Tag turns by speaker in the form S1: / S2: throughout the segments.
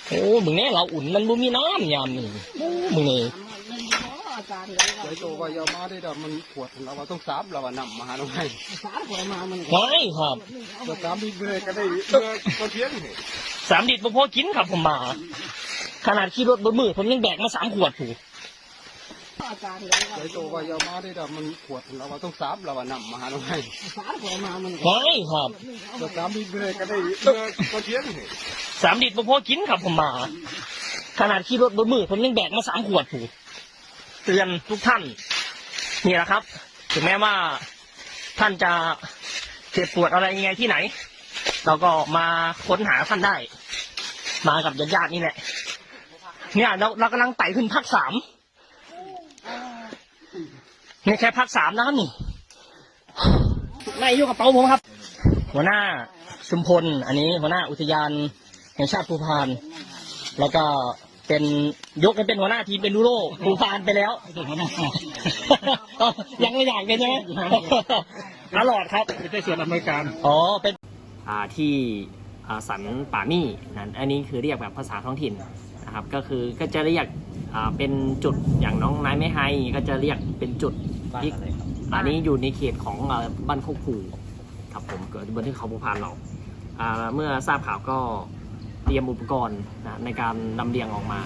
S1: โอ้มึงเนี่ยเราอุ่นมันบ่มีน้ำยามนี่โอ้มึงนี่
S2: ไอ้ตัวก็ยามาได้แต่มันขวดเราต้องซับเรานำมาหาหน่อย
S1: ไม่ครับ
S2: ก็ซับดีเลยก็ได้เพื่อก็เที่ยง
S1: 3 ลิตรบ่พอกินครับผมมาขนาดขี่รถบนมือผมยังแบกมา3 ขวดถูก
S2: ไอ้ตัวก็ยามาได้แต่มันขวดเราต้องซับเรานำมาหาหน่อย
S1: ไม่ครับ
S2: ก็ซับดีเลยก็ได้เพื่อก็เที่ยง
S1: 3 ลิตรบ่พอกินครับผมมาขนาดขี่รถบนมือผมยังแบกมา3 ขวดถูกเตือนทุกท่านนี่แหละครับถึงแม้ว่าท่านจะเจ็บปวดอะไรยังไงที่ไหนเราก็มาค้นหาท่านได้มากับญาติๆนี่แหละเนี่ยเรากำลังไต่ขึ้นภาค 3นี่แค่ภาค 3นะครับนี่นายยกกระเป๋าผมครับหัวหน้าชุมพลอันนี้หัวหน้าอุทยานแห่งชาติภูพานแล้วก็เป็นยกเป็นหัวหน้าทีมเป็นดูโรภูพานไปแล้วยังไม่อยากเป็นใช่ไหมตลอดครับ
S2: เป็นส่วนอำนวยการ
S1: อ๋อเป็นที่สันป่ามี่นั่นอันนี้คือเรียกแบบภาษาท้องถิ่นนะครับก็จะเรียกเป็นจุดอย่างน้องนายไม่ให้ก็จะเรียกเป็นจุดที่อันนี้อยู่ในเขตของบ้านโคกผูครับผมเกิดบนที่เขาภูพานเราเมื่อทราบข่าวก็เตรียมอุปกรณ์ในการลำเลียงออกมา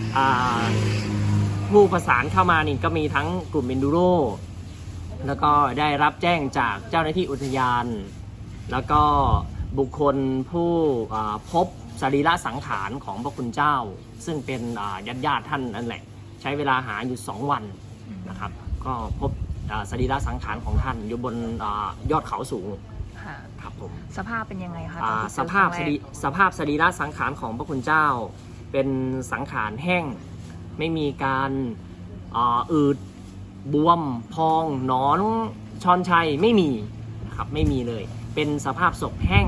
S1: ผู้ประสานเข้ามานี่ก็มีทั้งกลุ่มเอนดูโรแล้วก็ได้รับแจ้งจากเจ้าหน้าที่อุทยานแล้วก็บุคคลผู้พบสรีระสังขารของพระคุณเจ้าซึ่งเป็นญาติท่านนั่นแหละใช้เวลาหาอยู่2 วันนะครับก็พบสรีระสังขารของท่านอยู่บนยอดเขาสูงครับผม
S3: สภาพเป็นยังไงคะ
S1: สภาพสรีระสังขารของพระคุณเจ้าเป็นสังขารแห้งไม่มีการอืดบวมพองหนอนชอนชัยไม่มีนะครับไม่มีเลยเป็นสภาพศพแห้ง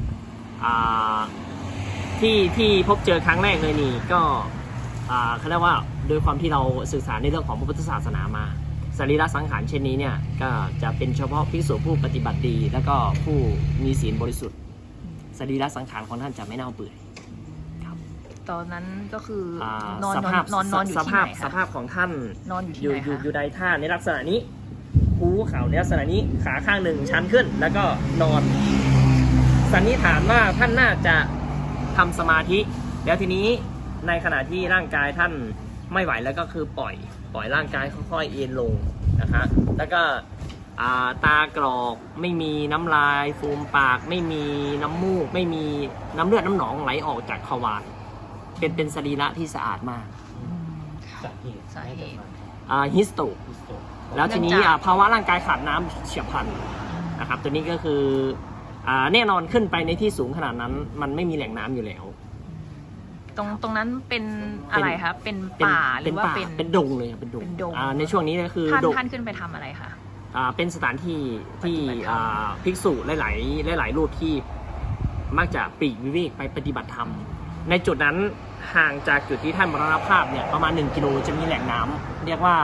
S1: ที่พบเจอครั้งแรกเลยนี่ก็เขาเรียกว่าโดยความที่เราศึกษาในเรื่องของพระพุทธศาสนามาสรีระสังขารเช่นนี้เนี่ยก็จะเป็นเฉพาะภิกษุผู้ปฏิบัติดีแล้วก็ผู้มีศีลบริสุทธิ์สรีระสังขารของท่านจะไม่เน่าเปื่อยครับ
S3: ตอนนั้นก็คือนอนอยู่ที่ไหนคะ
S1: สภาพของท่าน
S3: นอนอยู่ที่ไหนคะ
S1: อยู่ในท่าในลักษณะนี้คูเข่าในลักษณะนี้ขาข้างหนึ่งชันขึ้นแล้วก็นอนสันนิษฐานว่าท่านน่าจะทำสมาธิแล้วทีนี้ในขณะที่ร่างกายท่านไม่ไหวแล้วก็คือปล่อยร่างกายค่อยๆเอ็นลงนะคะแล้วก็ตากรอกไม่มีน้ำลายฟูมปากไม่มีน้ำมูกไม่มีน้ำเลือดน้ำหนองไหลออกจากขวานเป็นสรีระที่สะอาดมาก
S3: สาเหตุ
S1: ฮิสโตแล้วทีนี้ภาวะร่างกายขาดน้ำเฉียบพลันนะครับตัวนี้ก็คือแน่นอนขึ้นไปในที่สูงขนาดนั้นมันไม่มีแหล่งน้ำอยู่แล้ว
S3: ตรงนั้นเป็นอะไรคะเป็นป่าหรือว่า
S1: เป็นดงเลยครับเป็นดงในช่วงนี้ก็คือ
S3: ท่านขึ้นไปทำอะไรคะ
S1: เป็นสถานที่ที่ภิกษุหลายรูปที่มักจะปลีกวิเวกไปปฏิบัติธรรมในจุดนั้นห่างจากจุดที่ท่านมรณภาพเนี่ยประมาณ1 กิโลจะมีแหล่งน้ำเรียกว่า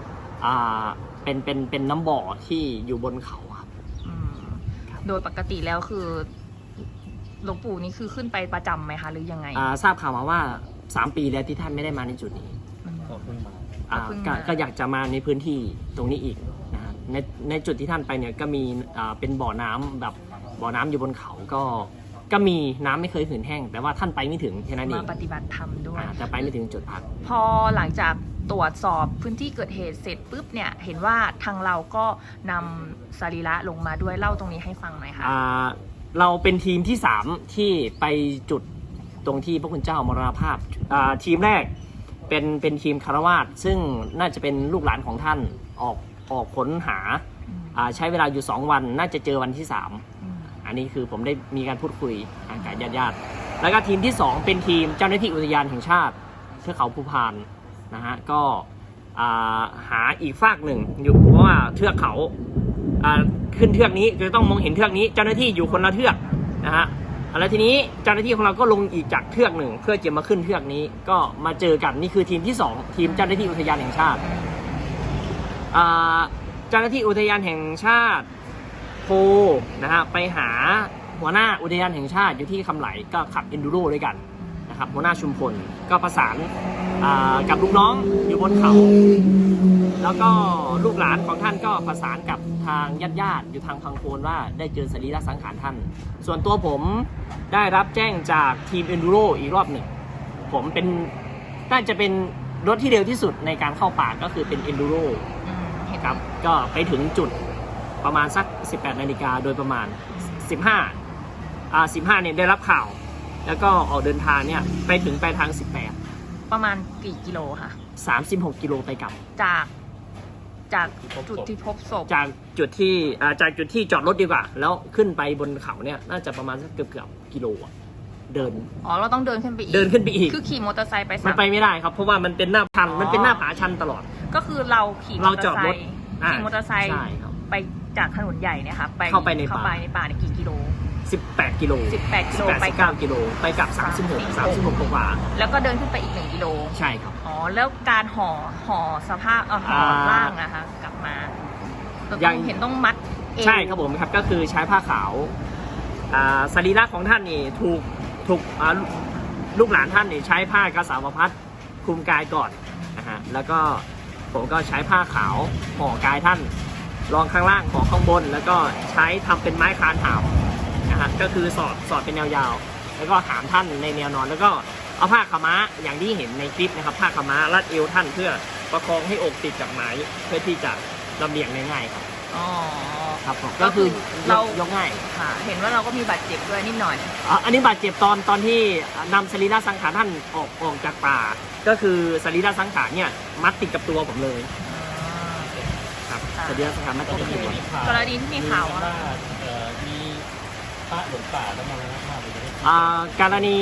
S1: เป็นน้ำบ่อที่อยู่บนเขาครับ
S3: โดยปกติแล้วคือหลวงปู่นี่คือขึ้นไปประจำไหมคะหรือยังไง
S1: ทราบข่าวมาว่า3 ปีแล้วที่ท่านไม่ได้มาในจุดนี้ก็อยากจะมาในพื้นที่ตรงนี้อีกนะในจุดที่ท่านไปเนี่ยก็มีเป็นบ่อน้ำแบบบ่อน้ำอยู่บนเขาก็มีน้ำไม่เคยหืนแห้งแต่ว่าท่านไปไม่ถึงแค่นั้นเอง
S3: มาปฏิบัติธรรมด้วย
S1: จะไปไม่ถึงจุดพัก
S3: พอหลังจากตรวจสอบพื้นที่เกิดเหตุเสร็จปุ๊บเนี่ยเห็นว่าทางเราก็นำสรีระลงมาด้วยเล่าตรงนี้ให้ฟังหน่อยค่ะ
S1: เราเป็นทีมที่3ที่ไปจุดตรงที่พระคุณเจ้ามรณภาพทีมแรกเป็นทีมคารวาสซึ่งน่าจะเป็นลูกหลานของท่านออกค้นหาใช้เวลาอยู่2 วันน่าจะเจอวันที่3อันนี้คือผมได้มีการพูดคุยกับญาติแล้วก็ทีมที่2เป็นทีมเจ้าหน้าที่อุทยานแห่งชาติเทือกเขาภูพานนะฮะก็หาอีกฝากหนึ่งอยู่เพราะว่าเทือกเขาขึ้นเทือกนี้จะต้องมองเห็นเทือกนี้เจ้าหน้าที่อยู่คนละเทือกนะฮะแล้วทีนี้เจ้าหน้าที่ของเราก็ลงอีกจากเทือกหนึ่งเพื่อจะมาขึ้นเทือกนี้ก็มาเจอกันนี่คือทีมที่2ทีมเจ้าหน้าที่อุทยานแห่งชาติเจ้าหน้าที่อุทยานแห่งชาติโพนะฮะไปหาหัวหน้าอุทยานแห่งชาติอยู่ที่คำไหลก็ขับเอนดูโรด้วยกันนะครับหัวหน้าชุมพลก็ประสานกับลูกน้องอยู่บนเขา แล้วก็ลูกหลานของท่านก็ประสานกับทางญาติๆอยู่ทางพังโคนว่าได้เจอสรีระสังขารท่าน ส่วนตัวผมได้รับแจ้งจากทีม Enduro อีกรอบหนึ่งผมเป็นน่าจะเป็นรถที่เร็วที่สุดในการเข้าป่าก็คือเป็น Enduro
S3: เห็น
S1: ครับก็ไปถึงจุดประมาณสัก 18 นาฬิกาโดยประมาณ 15เนี่ยได้รับข่าว แล้วก็ออกเดินทางเนี่ยไปถึงปลายทาง
S3: ประมาณกี่กิโลค่ะ
S1: 18 36 กิโลไปกลับ
S3: จากจุดที่พบศพ
S1: จากจุดที่จอดรถดีกว่า แล้วขึ้นไปบนเขาเนี่ยน่าจะประมาณสักเกือบกิโลอะเดิน
S3: อ๋อเราต้องเดินขึ้นไปอีก
S1: เดินขึ้นไปอีก
S3: คือขี่มอเตอร์ไซค์ไป
S1: มันไปไม่ได้ครับเพราะว่ามันเป็นหน้าชัน
S3: อ๋อ
S1: มันเป็นหน้าผาชันตลอด
S3: ก็คือเราขี่มอเตอร์ไซ
S1: เราจอดรถ
S3: ค์ขี่มอเตอร์ไซค์
S1: ใช่ครับ
S3: ไปจากถนนใหญ่เนี่ยค่ะ
S1: เข้าไปในป่า
S3: ในกี่กิโล
S1: 18 กิโล
S3: 18 กิโลไป
S1: 18 19 กิโลไปกลับ 36 กว่า
S3: แล้วก็เดินขึ้นไปอีก1 กิโล
S1: ใช่ครับ
S3: อ๋อแล้วการห่อสภาพห่อร่างนะคะกลับมาเรา
S1: ยั
S3: ต้อง งเห็นต้องมัดเอว
S1: ใช่ครับผมครับก็คือใช้ผ้าขาวสรีระของท่านนี่ถูกลูกหลานท่านนี่ใช้ผ้ากสาวพัดคลุมกายก่อนนะฮะแล้วก็ผมก็ใช้ผ้าขาวห่อกายท่านรองข้างล่างห่อข้างบน แล้วก็ใช้ทำเป็นไม้คานหามนะฮะก็คือสอดเป็นแนวยาว แล้วก็หามท่านในแนวนอน แล้วก็เอาผ้าขาวม้าอย่างที่เห็นในคลิปนะครับผ้าขาวม้ารัดเอวท่านเพื่อประคองให้อกติดกับไม้เพื่อที่จะลำเลียงง่ายๆครับ
S3: อ๋อ
S1: ครับผม
S3: ก็
S1: ก็
S3: คื
S1: คือ อ
S3: เรา
S1: ยกง่าย
S3: ค่ะ เห็นว่าเราก็มีบาดเจ็บด้วยนิดหน่อย
S1: อันนี้บาดเจ็บตอนที่นำสรีระสังขารท่านออกจากป่า ก็คือสรีระสังขารเนี่ยมัดติดกับตัวผมเลยครับ
S3: ค่ะ
S1: สรีระสังขารมัดติดกับตัว
S3: กรณีที่มีข่าวว่า
S2: มีพระหลงป่าแล้วมาแล้วภาพเลย
S1: กรณี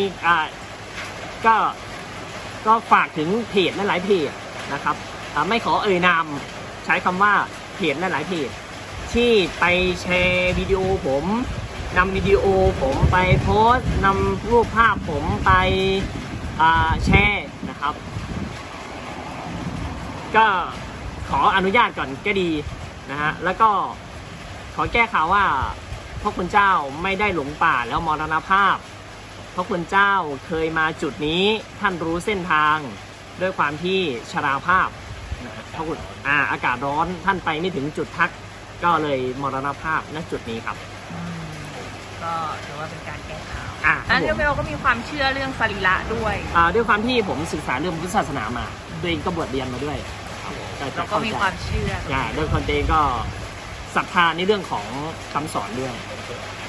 S1: ก็ฝากถึงเพจหลายๆเพจนะครับไม่ขอเอ่ยนามใช้คำว่าเพจหลายๆเพจที่ไปแชร์วิดีโอผมนำวิดีโอผมไปโพสต์นำรูปภาพผมไปแชร์นะครับ ก็ขออนุญาตก่อนก็ดีนะฮะแล้วก็ขอแก้ข่าวว่าพระคุณเจ้าไม่ได้หลงป่าแล้วมรณภาพพระคุณเจ้าเคยมาจุดนี้ท่านรู้เส้นทางด้วยความที่ชราภาพนะฮะพระคุณอากาศร้อนท่านไปไม่ถึงจุดพักก็เลยมรณภาพณจุดนี้ครับ
S3: ก็ถือว่าเป็นการแก้ข่าว
S1: ครับ
S3: อันนี้
S1: ผม
S3: เราก็มีความเชื่อเรื่องสรีระด้วย
S1: ด้วยความที่ผมศึกษาเรื่องพุทธศาสนามาตัวเองก็บวชเรียนมาด้วยครับจะ
S3: เราก็มีความเชื่อ
S1: โดยคนตัวเองก็ศรัทธาในเรื่องของคำสอนด้วย